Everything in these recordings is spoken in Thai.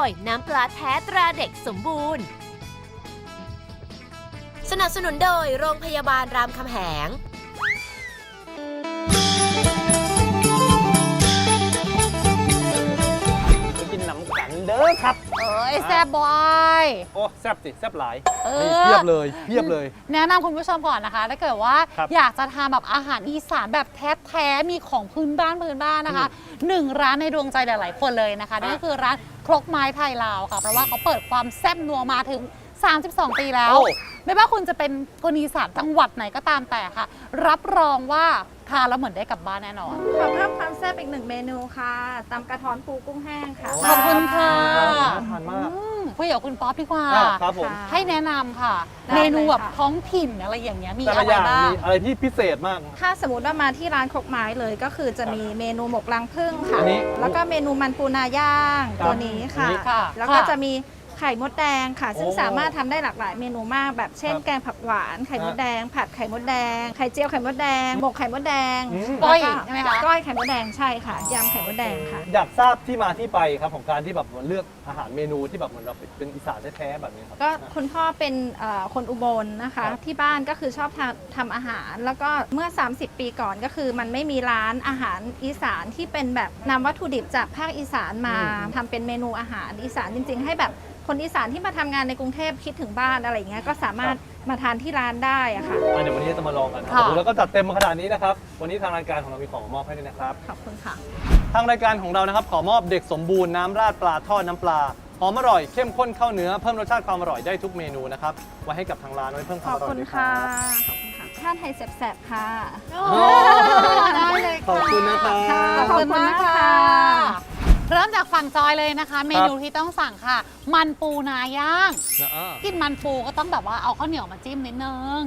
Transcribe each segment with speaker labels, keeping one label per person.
Speaker 1: ยน้ำปลาแท้ตราเด็กสมบูรณ์สนับสนุนโดยโรงพยาบาลรามคำแหง
Speaker 2: กินน้ำกันเด้อครับ
Speaker 3: แซ่บบอย
Speaker 2: โอ้แซ่บสิแซ่บหลาย
Speaker 3: นี่
Speaker 2: เพียบเลยเพียบเลย
Speaker 3: แนะนำคุณผู้ชมก่อนนะคะถ้าเกิดว่าอยากจะทานแบบอาหารอีสานแบบแท้ๆมีของพื้นบ้านนะคะ1ร้านในดวงใจหลายๆคนเลยนะคะนั่นก็คือร้านครกไม้ไทยลาวค่ะเพราะว่าเขาเปิดความแซ่บนัวมาถึง32 ปีแล้วไม่ว่าคุณจะเป็นคนอีสานจังหวัดไหนก็ตามแต่ค่ะรับรองว่าทานแล้วเหมือนได้กลับบ้านแน่นอน
Speaker 4: ขอเพิ่มความแซ่บอีก1เมนูค่ะตำกระท้อนปูกุ้งแห้งค่ะ
Speaker 3: ขอบคุณค่ะ
Speaker 2: น่าทานมาก
Speaker 3: คุยกับคุณป๊อปดีกว่า
Speaker 2: ครับผม
Speaker 3: ให้แนะนำค่ะเมนูแบบท้องถิ่นอะไรอย่างเงี้ยมีอะไรบ้าง
Speaker 2: มีอะไรที่พิเศษมาก
Speaker 4: ถ้าสมมติว่ามาที่ร้านครกไม้เลยก็คือจะมีเมนูหมกรังผึ้งค่ะแล้วก็เมนูมันปูนาย่างตัวนี้ค่ะแล้วก็จะมีไข่มดแดงค่ะซึ่งสามารถทำได้หลากหลายเมนูมากแบบเช่นแกงผักหวานไข่มดแดงผัดไข่มดแดงไข่เจียวไข่มดแดงหมกไข่มดแดง
Speaker 3: ก้อยใช่ไหมคะ
Speaker 4: ก้อยไข่มดแดงใช่ค่ะยำไข่มดแดงค่ะ
Speaker 2: อยากทราบที่มาที่ไปครับของการที่แบบเลือกอาหารเมนูที่แบบเหมือนเราเป็นอีสานแท้ๆแบบนี้ครับ
Speaker 4: ก็คุณพ่อเป็นคนอุบลนะคะที่บ้านก็คือชอบทำอาหารแล้วก็เมื่อ30 ปีก่อนก็คือมันไม่มีร้านอาหารอีสานที่เป็นแบบนำวัตถุดิบจากภาคอีสานมาทำเป็นเมนูอาหารอีสานจริงๆให้แบบคนอีสานที่มาทำงานในกรุงเทพคิดถึงบ้านอะไรอย่างเงี้ยก็สามารถมาทานที่ร้านได้อะค่ะ
Speaker 2: เดี๋ยววันนี้จะมาลองกันครับแล้วก็จัดเต็มมาขนาดนี้นะครับวันนี้ทางรายการของเรามีของมอบให้ด้วยนะครับ
Speaker 4: ขอบคุณค่ะ
Speaker 2: ทางรายการของเรานะครับขอมอบเด็กสมบูรณ์น้ำราดปลาทอดน้ำปลาหอมอร่อยเข้มข้นเข้าเนื้อเพิ่มรสชาติความอร่อยได้ทุกเมนูนะครับไว้ให้กับทางร้านไว้เพิ่มความอร่อยด้วยครับ
Speaker 4: ขอบคุณค่ะชาติไทยแซ่บๆค่ะ
Speaker 3: ได้เลย
Speaker 2: ขอบคุณนะครับ
Speaker 3: ขอบคุณมากค่ะเริ่มจากฝั่งจอยเลยนะคะเมนูที่ต้องสั่งค่ะมันปูนาย่างกินมันปูก็ต้องแบบว่าเอาข้าวเหนียวมาจิ้มนิดนึง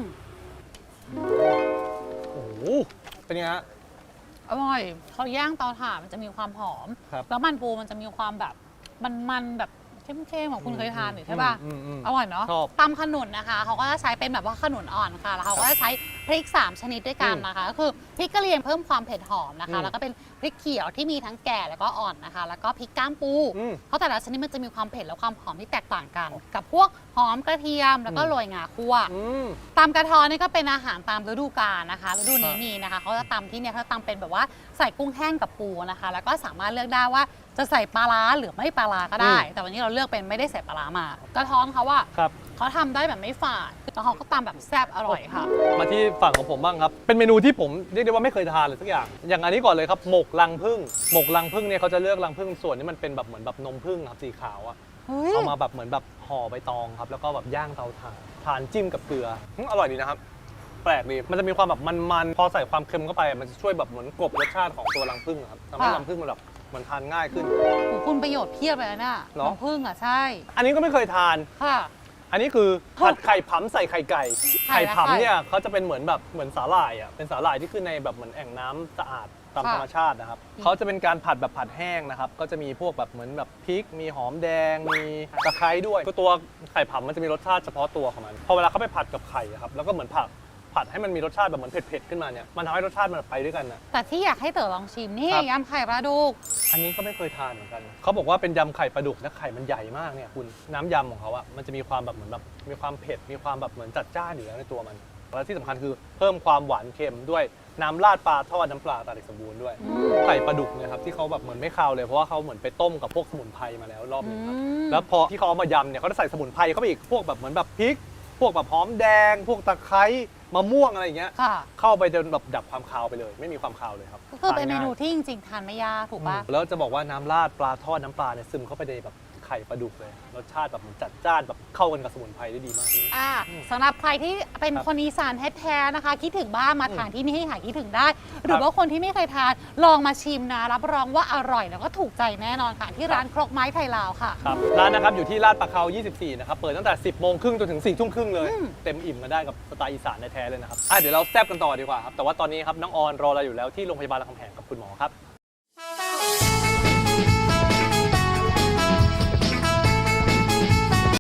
Speaker 2: โอ้โหเป็นไงฮะ
Speaker 3: อร่อยเขาย่างเตาถ่านมันจะมีความหอมแล้วมันปูมันจะมีความแบบมันแบบเข้มๆของคุณเคยทานหรือใช่ป่ะอร่อยเนาะตำขนุนนะคะเขาก็จะใช้เป็นแบบว่าขนุนอ่อนค่ะแล้วเขาก็จะใช้พริก3ชนิดด้วยกันนะคะก็คือพริกกะเหรี่ยงเพิ่มความเผ็ดหอมนะคะแล้วก็เป็นพริกเขียวที่มีทั้งแก่แล้วก็อ่อนนะคะแล้วก็พริกก้ามปูเพราะแต่ละชนิดมันจะมีความเผ็ดและความหอมที่แตกต่างกันกับพวกหอมกระเทียมแล้วก็โรยงาคั่วตำกระท้อนนี่ก็เป็นอาหารตามฤดูกาลนะคะฤดูนี้มีนะคะเขาจะตำที่เนี่ยเขาตำเป็นแบบว่าใส่กุ้งแห้งกับปูนะคะแล้วก็สามารถเลือกได้ว่าจะใส่ปลาร้าหรือไม่ปลาร้าก็ได้แต่วันนี้เราเลือกเป็นไม่ได้ใส่ปลาร้ามากระท้อนเขาว่าเขาทำได้แบบไม่ฝาดแล้วเขาก็ตำแบบแซ่บอร่อยค่ะ
Speaker 2: มาที่ฝั่งของผมบ้างครับเป็นเมนูที่ผมเรียกได้ว่าไม่เคยทานเลยสักอย่างอันนี้ก่อนเลยครับหมกรังผึ้งหมกรังผึ้งเนี่ยเขาจะเลือกรังผึ้งส่วนที่มันเป็นแบบเหมือนแบบนมผึ้งครับสีขาวอ่ะเอามาแบบเหมือนแบบห่อใบตองครับแล้วก็แบบย่างเตาถ่านทานจิ้มกับเกลืออร่อยดีนะครับแปลกดีมันจะมีความแบบมันพอใส่ความเค็มเข้าไปมันจะช่วยแบบเหมือนกลบรสชาติของตัวรังผึ้งครับทำให้รังผึ้งมันแบบมันทานง่ายขึ้น
Speaker 3: คุณประโยชน์เพียบเลยนะรังผึ้งอ่ะใช่
Speaker 2: อันนี้ก็ไม่เคยทาน
Speaker 3: ค่ะ
Speaker 2: อันนี้คือผัดไข่ผำใส่ไข่ไก่ไข่ผำเนี่ยเขาจะเป็นเหมือนสาหร่ายอ่ะเป็นสาหร่ายที่ขึ้นในแบบเหมือนแอ่งน้ำสะอาดตามธรรมชาตินะครับเขาจะเป็นการผัดแบบผัดแห้งนะครับก็จะมีพวกแบบเหมือนแบบพริกมีหอมแดงมีตะไคร้ด้วยตัวไข่ผำมันจะมีรสชาติเฉพาะตัวของมันพอเวลาเขาไปผัดกับไข่ครับแล้วก็เหมือนผัดให้มันมีรสชาติแบบเหมือนเผ็ดๆขึ้นมาเนี่ยมันทำให้รสชาติมันไปด้วยกันนะ
Speaker 3: แต่ที่อยากให้เต๋อลองชิมนี่ยำไข่ปลาดุก
Speaker 2: อันนี้ก็ไม่เคยทานเหมือนกันเขาบอกว่าเป็นยำไข่ปลาดุกและไข่มันใหญ่มากเนี่ยคุณน้ำยำของเขาอะมันจะมีความแบบเหมือนแบบมีความเผ็ดมีความแบบเหมือนจัดจ้านอยู่แล้วในตัวมันและที่สำคัญคือเพิ่มความหวานเค็มด้วยน้ำราดปลาทอดน้ำปลาตาเด็กสมบูรณ์ด้วยไข่ปลาดุกเนี่ยครับที่เขาแบบเหมือนไม่คาวเลยเพราะว่าเขาเหมือนไปต้มกับพวกสมุนไพรมาแล้วรอบนึงครับแล้วพอที่เขาเอามายำเนี่ยเขาจะใส่สมุนไพรเข้าไปอีกพวกแบบเหมือนแบบพริกพวกแบบหอมแดงพวกตะไคร้มะม่วงอะไรอย่างเงี้ยเข้าไปจนแบบดับความคาวไปเลยไม่มีความคาวเลยครับ
Speaker 3: ก็คือเป็นเมนูที่จริงๆทานไม่ยากถูกป่ะ
Speaker 2: แล้วจะบอกว่าน้ำราดปลาทอดน้ำปลาเนี่ยซึมเข้าไปในแบบไข่ปลาดุกเลยรสชาติแบบมันจัดจ้านแบบเข้ากันกับสมุนไพรได้ดีมาก
Speaker 3: สำหรับใครที่เป็นคนอีสานแท้ๆนะคะคิดถึงบ้านมาทานที่นี่ให้หายคิดถึงได้หรือว่าคนที่ไม่เคยทานลองมาชิมนะรับรองว่าอร่อยแล้วก็ถูกใจแน่นอนค่ะที่ร้านครกไม้ไทยลาวค่ะ
Speaker 2: ครับร้านนะครับอยู่ที่ลาดประเขา24นะครับเปิดตั้งแต่ 10 โมงครึ่งจนถึง 4 ทุ่มครึ่งเลยเต็มอิ่มกันได้กับสไตล์อีสานแท้ๆเลยนะครับเดี๋ยวเราแซ่บกันต่อดีกว่าครับแต่ว่าตอนนี้ครับน้องออนรอเราอยู่แล้วที่โรงพยาบาลรามคำแหงกับคุณหมอครับ